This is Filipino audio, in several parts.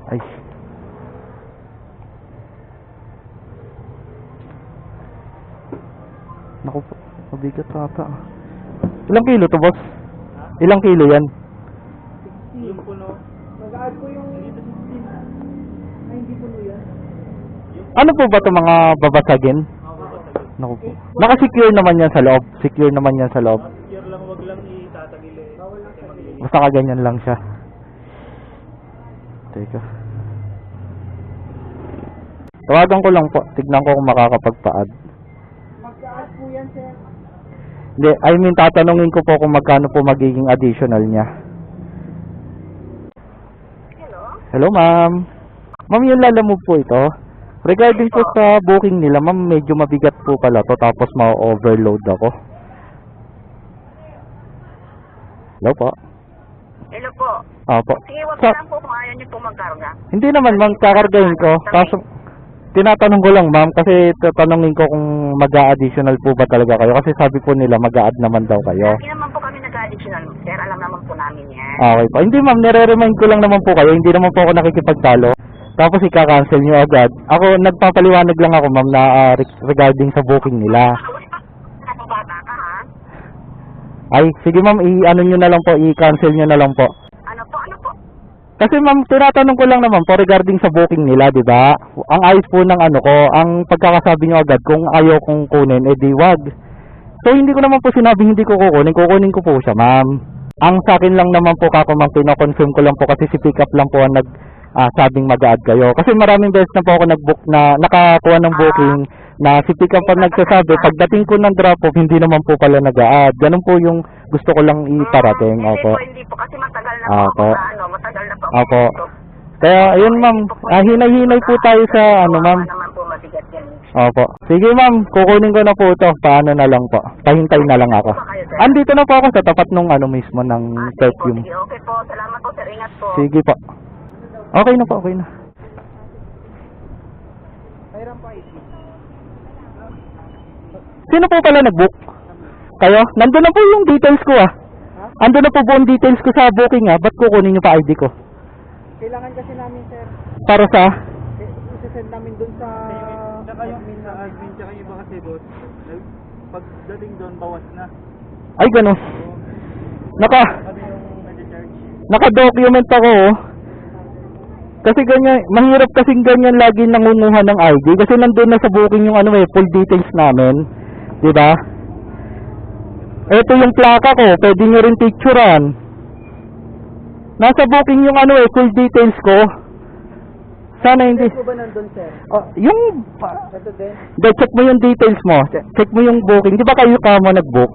Ay. Naku po, mabigat ata. Ilang kilo to, boss? Ilang kilo yan? 60. Yung puno. Mag-add ko yung dito 16. Ay, hindi puno yan. Ano po ba ito, mga babasagin? Babasagin. Naku po. Naka-secure naman yan sa loob. Secure naman yan sa loob. Secure lang, wag lang itatagil eh. Bawal lang tagilin. Basta kaganyan lang siya. Teka. Tawagan ko lang po. Tignan ko kung makakapagpa-add. Mag-add po yan, sir. Hindi, I mean, tatanungin ko po kung magkano po magiging additional niya. Hello? Hello, ma'am. Ma'am, yung lalamove po ito. Regarding po sa booking nila, ma'am, medyo mabigat po pala to, tapos ma-overload ako. Hello po. Hello po. Opo. Sige, wag Sa- lang po kung ayaw niyo po magkarga. Hindi naman, ma'am, kakargahin ko. Kaso, tinatanong ko lang, ma'am, kasi tatanungin ko kung mag-a-additional po ba talaga kayo. Kasi sabi po nila, mag-a-add naman daw kayo. Hindi naman po kami nag-additional, sir. Alam naman po namin yan. Okay po. Hindi, ma'am, nire-remind ko lang naman po kayo. Hindi naman po ako nakikipagtalo. Tapos ika-cancel nyo agad. Ako, nagpapaliwanag lang ako, ma'am, na regarding sa booking nila. Ano bata ka, ha? Ay, sige, ma'am, i-ano nyo na lang po, i-cancel nyo na lang po. Ano po, ano po? Kasi, ma'am, tinatanong ko lang naman po regarding sa booking nila, di ba? Ang ayos po ng ano ko, ang pagkakasabi nyo agad, kung ayaw kong kunin, edi wag. So, hindi ko naman po sinabing hindi ko kukunin ko po siya, ma'am. Ang sa akin lang naman po, kako, ma'am, pino-confirm ko lang po kasi si pick up lang po ang sabing mag-a-add kayo. Kasi maraming beses na po ako nag-book na nakakuha ng booking na si pick up ang nagsasabi, pagdating ko ng drop-off, hindi naman po pala nag-a-add. Ganun po yung gusto ko lang iparating. Opo. Hindi po, kasi matagal na Opo. po ako na, matagal na po ako Opo. dito. Kaya, ayun, ma'am, hinay-hinay po tayo sa ano, ma'am. Baka naman po mabigat yan. Opo. Sige, ma'am, kukunin ko na po ito. Paano na lang po. Pahintay na lang ako. Andito na po ako sa tapat nung ano mismo ng Sige po, perfume. sige, okay po. Salamat po, sir. Ingat po. Sige po. Okay na po, okay na. Mayroon pa ito. Sino po pala nag-book? Kayo? Nandun na po yung details ko ah. Andun na po buong details ko sa booking ah. Ba't kukunin nyo pa ID ko? Kailangan kasi namin, sir. Para sa? Isasend namin dun sa admin sa admin, tsaka yung iba kasi boss. Pagdating doon, bawas na. Ay, ganun. Kami yung nag-charge. Naka-document ako oh. Kasi ganyan, mahirap kasing ganyan lagi nangunguha ng ID. Kasi nandun na sa booking yung ano full details namin. Diba? Ito yung plaka ko, pwede nyo rin picturean. Nasa booking yung full details ko. Sana hindi. Ito ba nandun, sir? Yung, Ito din? check mo yung details mo. Check mo yung booking. Di ba kayo ka mo nag-book?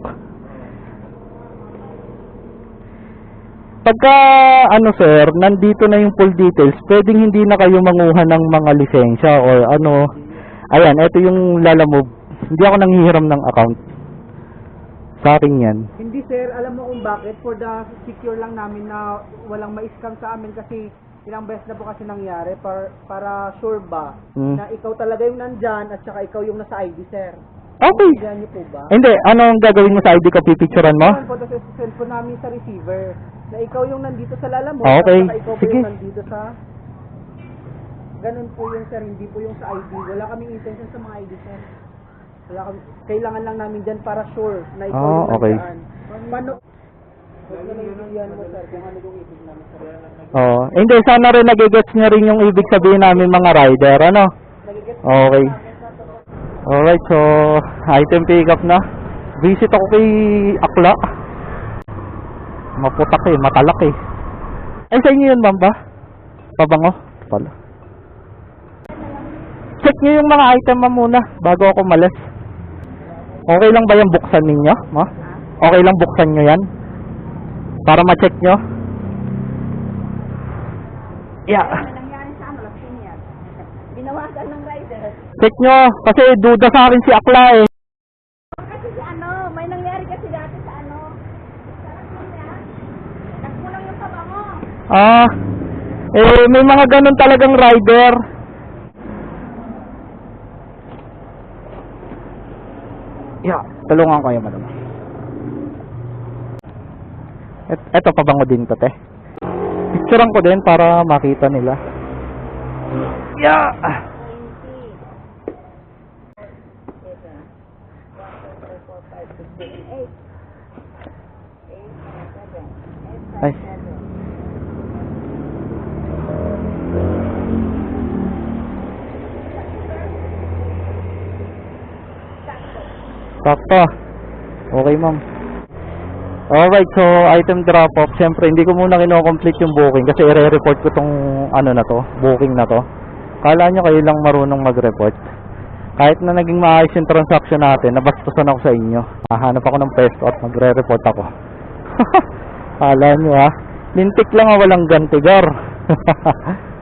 Pagka, sir, nandito na yung full details, pwedeng hindi na kayo manguha ng mga lisensya or ano. Ayan, ito yung lalamove. Hindi ako nanghihiram ng account. Sa akin yan. Hindi, sir. Alam mo kung bakit? For the secure lang namin na walang ma-scam sa amin kasi ilang beses na po kasi nangyari para sure ba na ikaw talaga yung nandyan at saka ikaw yung nasa ID, sir. Okay. Diyan niyo po ba? Hindi, anong gagawin mo sa ID ko? Pipicturean mo? Ano po, tapos send po namin sa receiver na ikaw yung nandito sa lalamove Okay. at saka ikaw po Sige. yung nandito sa ganun po yung, sir, hindi po yung sa ID. Wala kaming intention sa mga ID, sir. Kailangan lang namin dyan para sure na ikaw yung okay. nandyan. Paano? Huwag na naiintindihan mo, sir, kung ano yung ibig namin, sir. Oo. Hindi, sana rin nagigets nyo rin yung ibig sabihin namin mga rider, ano? Nagigets Okay. Alright, so, item pick up na. Visit ako kay Akla. Maputak matalak Ay, sa inyo yun, ma'am ba? Pabango? Pala. Check nyo yung mga item, ma'am, muna, bago ako malas. Okay lang ba yung buksan ninyo, ma? Okay lang buksan nyo yan? Para ma-check nyo? Yeah. Nangyari sa ano, lasing yan. Binawasan ng rider. Check nyo, kasi duda sa akin si Akla Kasi si ano, may nangyari kasi dati sa ano. Sa lasing yan. Nagkulang yung pabango. May mga ganun talagang rider. Yeah, tulungan ko yung madam. Eto pabango din to, te. Picturean ko din para makita nila. Yeah! 20. 1, 2, 3, 4, 5, 6, 7, 8. 8, 7, 8, Ay. 7. Sakto. Okay, ma'am. Alright, so item drop off. Siyempre, hindi ko muna kino-complete yung booking kasi i-report ko tong ano na to, booking na to. Kala nyo kayo lang marunong mag-report. Kahit na naging maayos yung transaction natin, nabastusan ako sa inyo. Hahanap ako ng pwesto at magre-report ako. Kala nyo ha. Lintik lang walang gantigar.